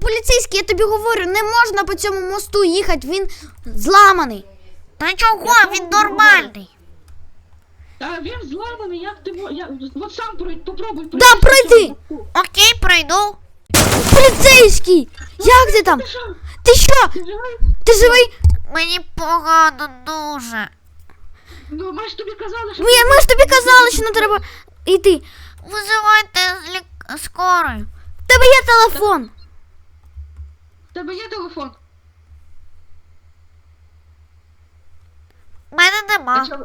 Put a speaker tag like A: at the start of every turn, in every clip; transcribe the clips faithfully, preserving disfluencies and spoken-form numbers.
A: поліцейський, я тобі говорю, не можна по цьому мосту їхати, він зламаний.
B: Та чого? Він нормальний.
C: Та він зламаний, як ти мо- я от сам пройди, попробуй пройти.
A: Да, пройди!
B: Окей, пройду.
A: Поліцейський! Як ти там?
C: Ти що?
A: Ти що?
C: Ти живий?
A: Ти живий?
B: Мені погано дуже.
C: Ну, ми ж тобі казали, що...
A: Ми, ми ж тобі казали, що не треба йти.
B: Визивайте з лік... скорою.
A: В тебе є телефон.
C: В тебе є телефон?
B: У мене нема.
C: А що?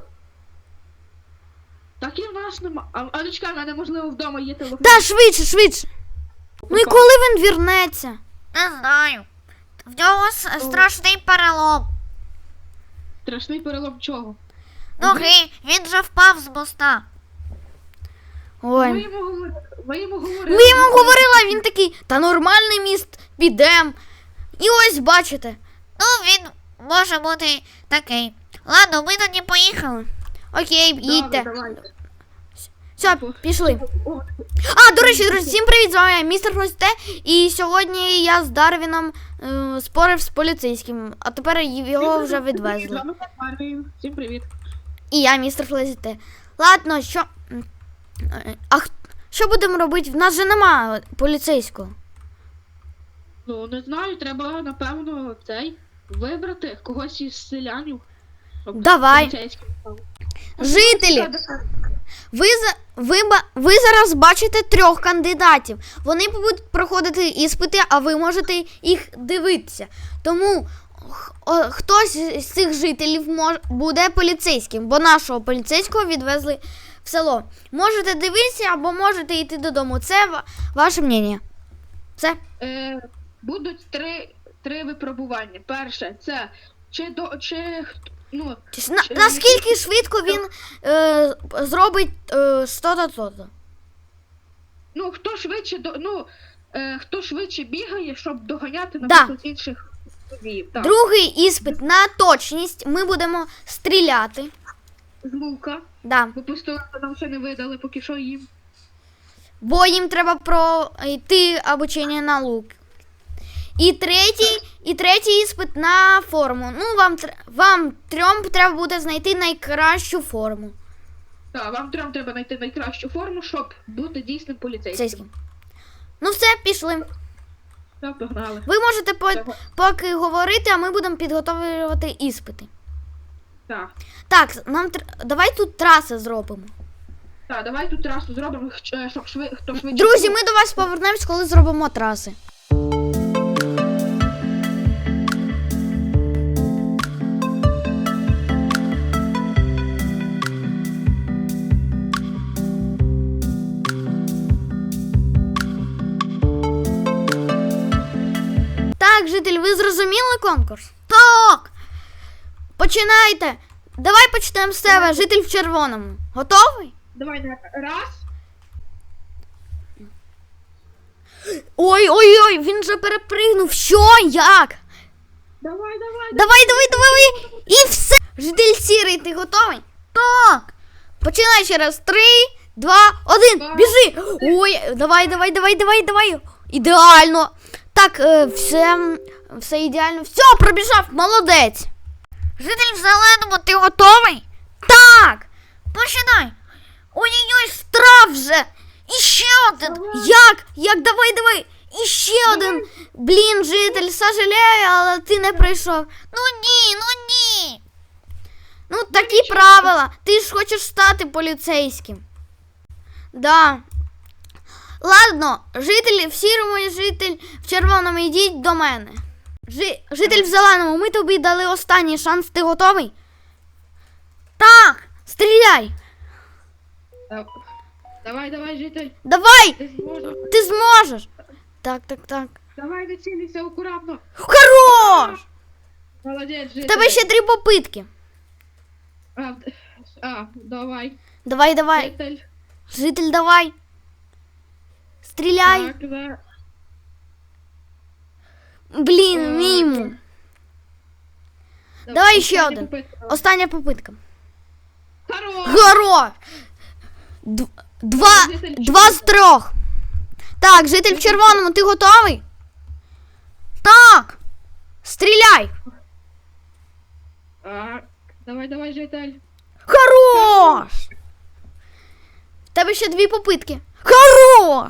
C: Так і в нас нема. А, а ну чекай, в мене можливо вдома є телефон.
A: Да, швидше, швидше. Ну і коли він вірнеться?
B: Не знаю. В нього с- страшний перелом.
C: Страшний перелом чого?
B: Ноги, він же впав з моста.
C: Ви
A: Ой.
C: йому говорили. Ви йому говорили.
A: Ми йому говорили, він такий, та нормальний міст, підем. І ось бачите.
B: Ну, він може бути такий. Ладно, ми тоді поїхали.
A: Окей,
C: Добре,
A: їдьте.
C: давай.
A: Все, пішли.
C: О,
A: А, до речі, друзі, всім привіт, з вами я, містер Хрусте. І сьогодні я з Дарвіном е, спорив з поліцейським, а тепер його вже
C: З
A: відвезли.
C: вами Марвін. Всім привіт.
A: І я, містер Хрусте. Ладно, що... е, А х- що будемо робити? В нас же нема поліцейського.
C: Ну, не знаю, треба, напевно, цей, вибрати когось із селянів. щоб
A: Давай.
C: поліцейський став.
A: Жителі, ви, за, ви, ба- ви зараз бачите трьох кандидатів. Вони будуть проходити іспити, а ви можете їх дивитися. Тому х- о, хтось з цих жителів мож, буде поліцейським, бо нашого поліцейського відвезли в село. Можете дивитися або можете йти додому. Це ва- ваше мнення. Все?
C: Е, будуть три, три випробування. Перше, це чи до чи хт- ну,
A: Чи ж на, наскільки швидко він е, зробить е, що-то, то-то.
C: ну хто швидше до ну е, хто швидше бігає, щоб доганяти
A: Да.
C: наприклад інших водіїв. Так.
A: Другий іспит на точність. Ми будемо стріляти.
C: З лука,
A: Да.
C: бо пістолета нам ще не видали, поки що їм.
A: Бо їм треба пройти обучення на лук. І третій, і третій іспит на форму. Ну, вам, тр- вам трьом треба буде знайти найкращу форму.
C: Так, вам трьом треба знайти найкращу форму, щоб бути дійсним поліцейським.
A: Поліцейським. Ну все, пішли.
C: Так, погнали.
A: Ви можете по-
C: Давай.
A: поки говорити, а ми будемо підготовлювати іспити.
C: Так.
A: Так, нам тр- давай тут траси зробимо.
C: Так, давай тут трасу зробимо, щ- щоб шви... хто швидше.
A: Друзі, ми до вас повернемось, коли зробимо траси. Так, житель, ви зрозуміли конкурс? Так! Починайте! Давай почнемо з тебе, житель в червоному. Готовий?
C: Давай, на- раз.
A: Ой-ой-ой, він же перепригнув. Що? Як?
C: Давай, давай.
A: Давай, давай, давай. І все. Житель сірий, ти готовий? Так. Починай ще раз. Три, два, один.
C: Так.
A: Біжи. Ой, давай, давай, давай, давай, давай. Ідеально. Так, е, все, все ідеально. Все, пробіжав, молодець.
B: Житель в зеленому, ти готовий?
A: Так.
B: Починай.
A: Ой-ой-ой, штраф вже.
B: І ще один.
A: Як? Як? Давай, давай. І ще один. Блін, житель, сожалею, але ти не прийшов.
B: Ну ні, ну ні.
A: Ну, такі правила. Ти ж хочеш стати поліцейським. Да. Ладно, жителі в сірому і житель в червоному, йдіть до мене. Жи... Житель в зеленому, ми тобі дали останній шанс. Ти готовий? Так, стріляй.
C: Так. Давай, давай, житель.
A: Давай,
C: Ти зможеш.
A: ти зможеш. Так, так, так.
C: Давай, не цілися акуратно.
A: Хорош!
C: Молодець, житель.
A: В тебе ще три попитки.
C: А, а, давай.
A: Давай, давай.
C: Житель.
A: Житель, давай. Стріляй.
C: Так, да.
A: Блін, мимо. Давай ще
C: Остання
A: один.
C: попитка.
A: Остання попитка.
C: Хорош!
A: Горо! Д- Два,
C: Житель
A: два з трьох. Так, житель в червоному, ти готовий?
C: Давай, давай, житель.
A: Хорош! В тебе ще дві попитки. Хорош!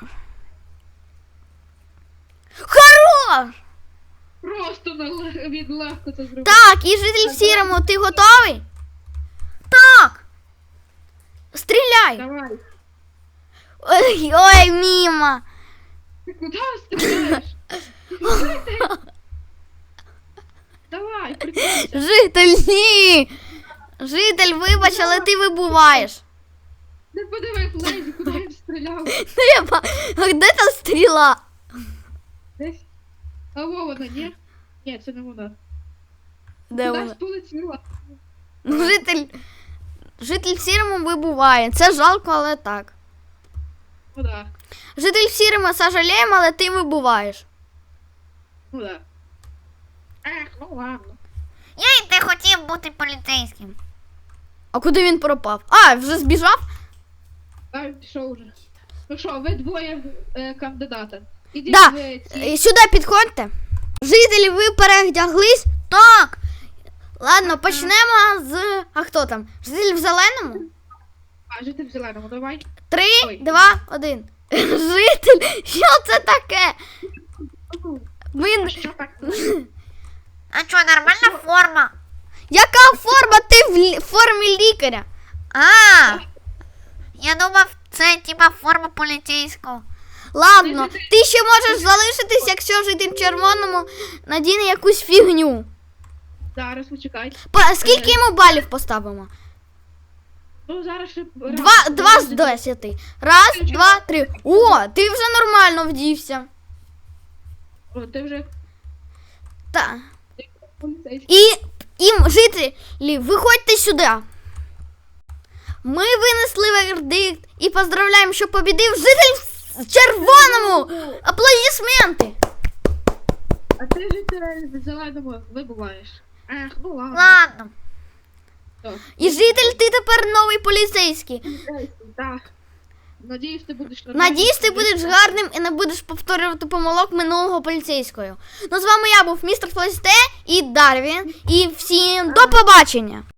A: Хорош!
C: Просто на ле- від легко це зробив.
A: Так, і житель в сірому, ти готовий? Так! Стріляй!
C: Давай.
A: Ой, ой, міма!
C: Ти куди стріляєш? Давай, прикинься.
A: Житель, ні! Житель, вибач, але ти вибуваєш.
C: Не подиви Флейзі, куди він стріляв.
A: Треба. А де та стріла?
C: Десь. А во вона, ні? Ні, це не вона.
A: Де
C: Кудись
A: вона?
C: полетіла.
A: Ну, житель. Житель в сірому вибуває. Це жалко, але так.
C: Ну да.
A: Житель в сірому сожаліємо, але ти вибуваєш.
C: Ну да. Ех, ну ладно.
B: Я й не хотів бути поліцейським.
A: А куди він пропав? А, вже збіжав?
C: А він пішов уже. Ну що, ви двоє е, кандидата. Ідіть
A: Да.
C: в ці.
A: Е, Сюди підходьте. Жителі, ви перевдяглись? Так. Ладно, почнемо з. А хто там? Житель в зеленому?
C: А, жити в зеленому, давай.
A: Три,
C: Ой.
A: два, один. Житель, що це таке? Він.
C: Що так?
B: А що, нормальна форма?
A: Яка форма? Ти в лі- формі лікаря?
B: А, я думав, це типа форма поліцейського.
A: Ладно, ти ще можеш залишитись, якщо житель в червоному надіне якусь фігню.
C: Зараз почекай.
A: Па- Скільки йому балів поставимо?
C: Ну зараз ще.
A: Два, два з десяти. Раз, два, три. О, ти вже нормально вдівся.
C: О, ти вже
A: Та.
C: поліцейський.
A: І, і жителі, виходьте сюди. Ми винесли вердикт і поздравляємо, що побідив житель в червоному. Аплодисменти.
C: А ти житель в зеленому вибуваєш. Ех, ну ладно.
B: Ладно.
C: Так.
A: І житель, ти тепер новий поліцейський.
C: Поліцейський, так. Надіюсь, ти будеш нормальним.
A: Надіюсь, ти будеш гарним і не будеш повторювати помилок минулого поліцейського. Ну, з вами я був містер Флесте і Дарвін. І всім до побачення!